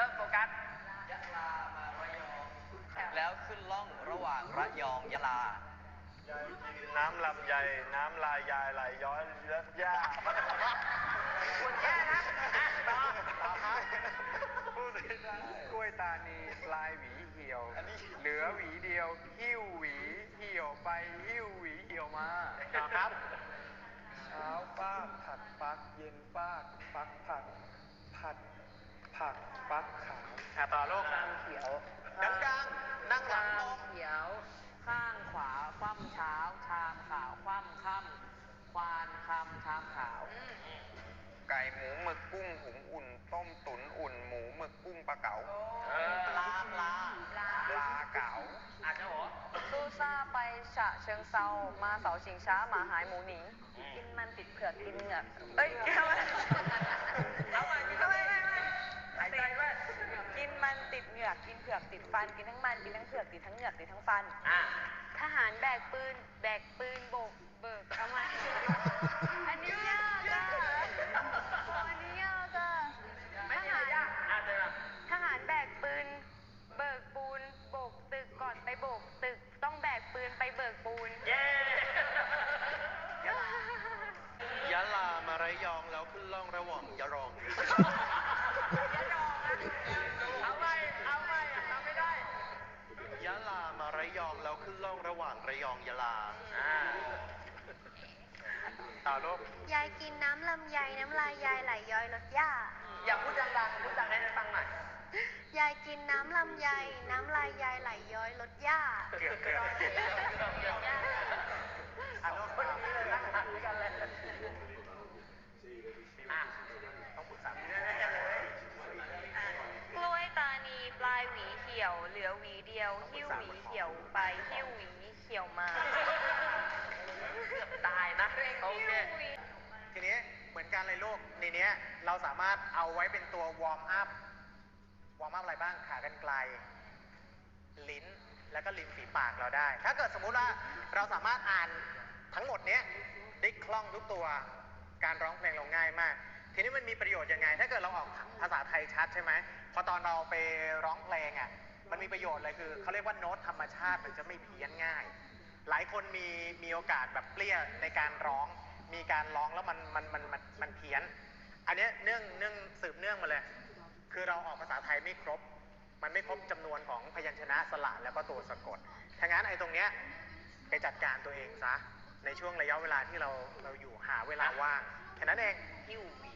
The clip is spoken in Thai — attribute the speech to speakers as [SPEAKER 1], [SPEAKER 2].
[SPEAKER 1] ริ่มโฟกัส
[SPEAKER 2] ยะลามาระยองแล้วขึ้นล่องระหว่างระยองยะลา
[SPEAKER 3] น้ำลำไยน้ำลายยายไหลย้อยเลือดย่า
[SPEAKER 1] คุณแย่นะต่อครับ
[SPEAKER 3] พูดได้กล้วยตานีปลายหวีเหี่ยวเหลือหวีเดียวหิ้วหวีเหี่ยวไปหิ้วหวีเหี่ยวมา
[SPEAKER 1] ต่อครับ
[SPEAKER 3] เช้าฟาดผัดฟักเย็นฟาดฟักผัดผัดผักฟักขาว
[SPEAKER 1] ต่อโลก
[SPEAKER 2] นางเขียวดังๆนั่งหลังตรง
[SPEAKER 4] เขียวข้างขวาคว่ำเช้าชามขาวคว่ำค่ำควานคำชามขาว
[SPEAKER 3] ไก่หมูหมึกกุ้งหุงอุ่นต้มตุ๋นอุ่นหมูหมึกกุ้งปลาเก๋า
[SPEAKER 2] ปลา
[SPEAKER 3] เก๋า
[SPEAKER 1] อาจจะหัว
[SPEAKER 4] ตู้ซ่าไปฉะเชิงเซามาเสาชิงช้าหมาหายหมูหนีกินมันติดเผือกกินเหงือกเอ้ย
[SPEAKER 1] เอาใหม่หายใจไว้
[SPEAKER 4] กินมันติดเหงือกกินเผือกติดฟันกินทั้งมันกินทั้งเผือกติดทั้งเหงือกติดทั้งฟันทหารแบกปืนโบกเบิกทำไมอันนี้ยากอ่ะอันนี้ยากอ่ะทหารแบกปืนเบิกปูนโบกตึกก่อนไปโบกตึกต้องแบกปืนไปเบิกปูน
[SPEAKER 1] เย้
[SPEAKER 3] ยะลามาระยองแล้วขึ้นล่องระหว่างยะรอง
[SPEAKER 1] เอาใหม่ทำไม่ได้
[SPEAKER 3] ยะลามาระยองแล้วขึ้นล่องระหว่างระยองยะลาต่อลูก
[SPEAKER 4] ยายกินน้ำลำไยน้ำลายยายไหลย้อยรถย่า
[SPEAKER 1] อย่าพูดดังๆพูดดังให้ฟังหน่อย
[SPEAKER 4] ยายกินน้ำลำไยน้ำลายยายไหลย้อยรถย่า
[SPEAKER 3] เกือบ
[SPEAKER 1] คนนี้เลยนั่งหันกันเลยต้องปรึกษาแน่ๆเลย
[SPEAKER 4] กล้วยตานีปลายหวีเขียวเหลือหวีเดียวหิ้วหวีเขียวไปหิ้วหวีเขียวมา
[SPEAKER 1] เกือบตายนะโอเค
[SPEAKER 2] ทีนี้เหมือนกันเลยลูกในนี้เราสามารถเอาไว้เป็นตัววอร์มอัพอะไรบ้างขากรรไกรลิ้นแล้วก็ริมฝีปากเราได้ถ้าเกิดสมมุติว่าเราสามารถอ่านทั้งหมดนี้ได้คล่องทุกตัวการร้องเพลงเราง่ายมากทีนี้มันมีประโยชน์ยังไงถ้าเกิดเราออกภาษาไทยชัดใช่ไหมพอตอนเราไปร้องเพลงอ่ะมันมีประโยชน์เลยคือเขาเรียกว่าโน้ตธรรมชาติมันจะไม่เพี้ยนง่ายหลายคนมีโอกาสแบบเปรี้ยในการร้องมีการร้องแล้วมันเพี้ยนอันนี้เนื่องสืบเนื่องมาเลยคือเราออกภาษาไทยไม่ครบมันไม่ครบจำนวนของพยัญชนะสระแล้วก็ตัวสะกดถ้างั้นไอ้ตรงเนี้ยไปจัดการตัวเองซะในช่วงระยะเวลาที่เราอยู่หาเวลาว่างแค่นั้นเองหิ้วหวี